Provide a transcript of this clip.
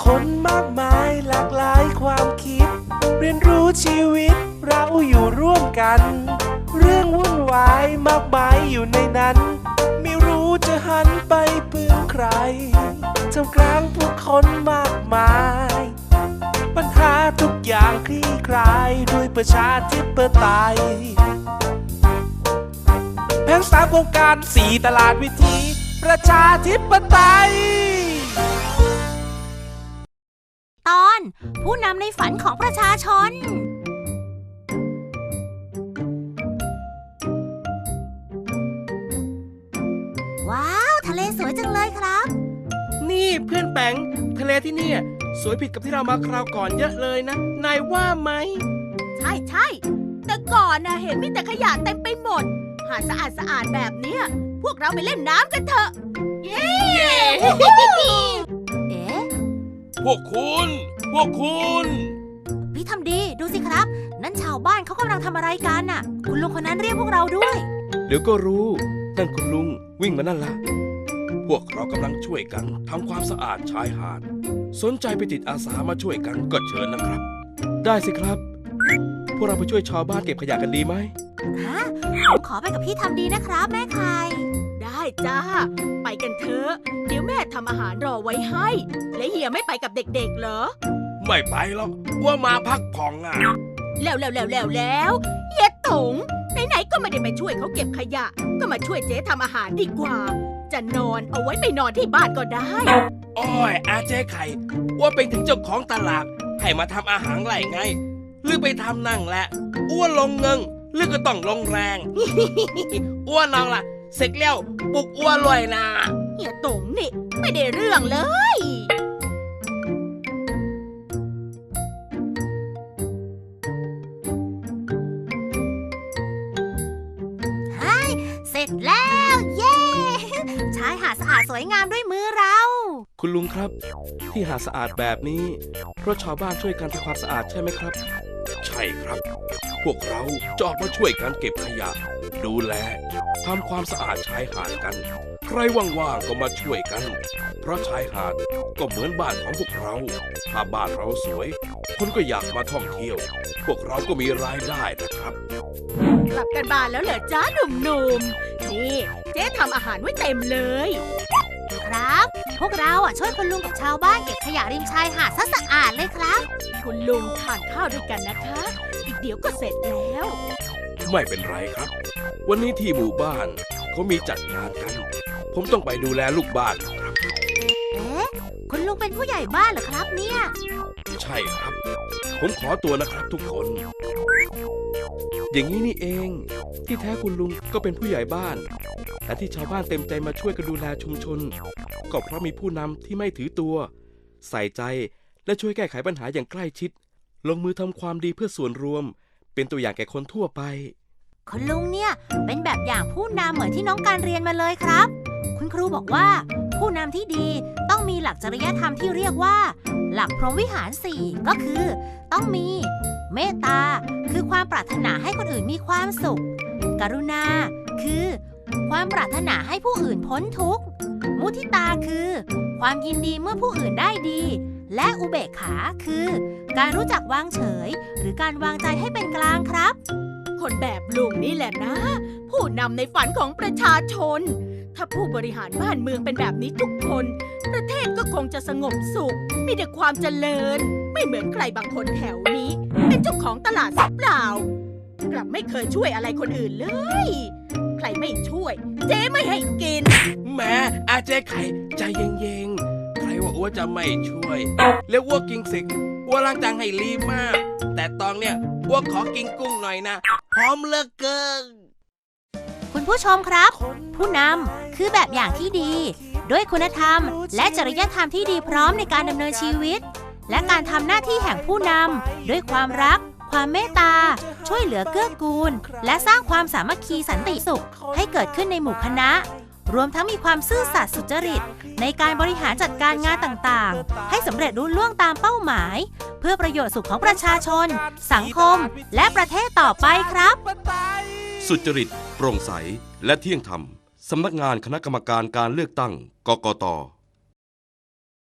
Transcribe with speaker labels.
Speaker 1: คนมากมายหลากหลายความคิดเรียนรู้ชีวิตเราอยู่ร่วมกันเรื่องวุ่นวายมากมายอยู่ในนั้นไม่รู้จะหันไปพึ่งใครท่ามกลางผู้คนมากมายปัญหาทุกอย่างคลี่คลายด้วยประชาธิปไตยแผน3โครงการ4ตลาดวิถีประชาธิปไตย
Speaker 2: ตอนผู้นำในฝันของประชาชนว้าวทะเลสวยจังเลยครับ
Speaker 1: นี่เพื่อนแปงทะเลที่นี่สวยผิดกับที่เรามาคราวก่อนเยอะเลยนะนายว่าไหม
Speaker 3: ใช่แต่ก่อนเห็นมีแต่ขยะเต็มไปหมดหาดสะอาดแบบเนี้ยพวกเราไปเล่นน้ำกันเถอะเย้
Speaker 2: เอ๊ะ
Speaker 1: พวกคุณ
Speaker 2: พี่ทำดีดูสิครับนั่นชาวบ้านเขากำลังทำอะไรกันน่ะคุณลุงคนนั้นเรียกพวกเราด้วย
Speaker 4: เดี๋ยวก็รู้นั่นคุณลุงวิ่งมานั่นละพวกเรากำลังช่วยกันทำความสะอาดชายหาดสนใจไปติดอาสามาช่วยกันก็เชิญนะครับได้สิครับพวกเราไปช่วยชาวบ้านเก็บขยะกันดีไหม
Speaker 2: ผมขอไปกับพี่ทำดีนะครับแม่ไข่
Speaker 3: ได้จ้าไปกันเถอะเดี๋ยวแม่ทำอาหารรอไว้ให้และเฮียไม่ไปกับเด็กๆเหรอ
Speaker 4: ไม่ไปหรอกว่ามาพักผ่อน
Speaker 3: แล้วเฮียตงไหนๆก็ไม่ได้ไปช่วยเขาเก็บขยะก็มาช่วยเจ๊ทำอาหารดีกว่าจะนอนเอาไว้ไปนอนที่บ้านก็ได้
Speaker 4: อ้อยอาเจ๊ไข่ว่าเป็นถึงเจ้าของตลาดให้มาทำอาหารไรไงหรือไปทำนั่งแหละอ้วนลงเงิงหรือก็ต้องลงแรง อ้วนน้องล่ะเสร็จแล้วปลุกอ้วนรวยนะ
Speaker 3: เฮียตงนี่ไม่ได้เรื่องเลย
Speaker 2: เสร็จแล้วเย้ชายหาดสะอาดสวยงามด้วยมือเรา
Speaker 4: คุณลุงครับที่หาดสะอาดแบบนี้เพราะชาวบ้านช่วยกันทำความสะอาดใช่ไหมครับใช่ครับพวกเราจะออกมาช่วยกันเก็บขยะดูแลทำความสะอาดชายหาดกันใครว่างๆก็มาช่วยกันเพราะชายหาดก็เหมือนบ้านของพวกเราถ้าบ้านเราสวยคนก็อยากมาท่องเที่ยวพวกเราก็มีรายได้นะครับ
Speaker 3: กลับกันบ้านแล้วเหรอจ้าหนุ่มๆนี่เจ๊ทำอาหารไว้เต็มเลย
Speaker 2: ครับพวกเราช่วยคุณลุงกับชาวบ้านเก็บขยะริมชายหาดซะสะอาดเลยครับ
Speaker 3: คุณลุงทานข้าวด้วยกันนะคะอีกเดี๋ยวก็เสร็จแล้ว
Speaker 4: ไม่เป็นไรครับวันนี้ที่หมู่บ้านเขามีจัดงานกันผมต้องไปดูแลลูกบ้านครับ
Speaker 2: เอ๊ะคุณลุงเป็นผู้ใหญ่บ้านเหรอครับเนี่ย
Speaker 4: ใช่ครับผมขอตัวนะครับทุกคนอย่างนี้นี่เองที่แท้คุณลุงก็เป็นผู้ใหญ่บ้านและที่ชาวบ้านเต็มใจมาช่วยกันดูแลชุมชนก็เพราะมีผู้นำที่ไม่ถือตัวใส่ใจและช่วยแก้ไขปัญหาอย่างใกล้ชิดลงมือทำความดีเพื่อส่วนรวมเป็นตัวอย่างแก่คนทั่วไป
Speaker 2: คุณลุงเนี่ยเป็นแบบอย่างผู้นำเหมือนที่น้องการเรียนมาเลยครับคุณครูบอกว่าผู้นำที่ดีต้องมีหลักจริยธรรมที่เรียกว่าหลักพรหมวิหาร4ก็คือต้องมีเมตตาคือความปรารถนาให้คนอื่นมีความสุขกรุณาคือความปรารถนาให้ผู้อื่นพ้นทุกข์มุทิตาคือความยินดีเมื่อผู้อื่นได้ดีและอุเบกขาคือการรู้จักวางเฉยหรือการวางใจให้เป็นกลางครับ
Speaker 3: คนแบบลุงนี่แหละนะผู้นำในฝันของประชาชนถ้าผู้บริหารบ้านเมืองเป็นแบบนี้ทุกคนประเทศก็คงจะสงบสุขมีแต่ความเจริญไม่เหมือนใครบางคนแถวนี้เป็นเจ้าของตลาดสับเปล่ากลับไม่เคยช่วยอะไรคนอื่นเลยใครไม่ช่วยเจ๊ไม่ให้กิน
Speaker 4: แม่อาเจ๊ไข่ใจเย็นๆใครว่าอ้วจะไม่ช่วยแล้วอ้วกินสิอ้วล้างจานให้รีมากแต่ตอนเนี้ยอ้วขอกินกุ้งหน่อยนะหอมเหลือเกิน
Speaker 2: คุณผู้ชมครับผู้นำคือแบบอย่างที่ดีด้วยคุณธรรมและจริยธรรมที่ดีพร้อมในการดำเนินชีวิตและการทำหน้าที่แห่งผู้นำด้วยความรักความเมตตาช่วยเหลือเกื้อกูลและสร้างความสามัคคีสันติสุขให้เกิดขึ้นในหมู่คณะรวมทั้งมีความซื่อสัตย์สุจริตในการบริหารจัดการงานต่างๆให้สำเร็จรุ่ล่วงตามเป้าหมายเพื่อประโยชน์สุขของประชาชนสังคมและประเทศต่อไปครับ
Speaker 5: สุจริตโปร่งใสและเที่ยงธรรมสำนักงานคณะกรรมการการเลือกตั้งกกต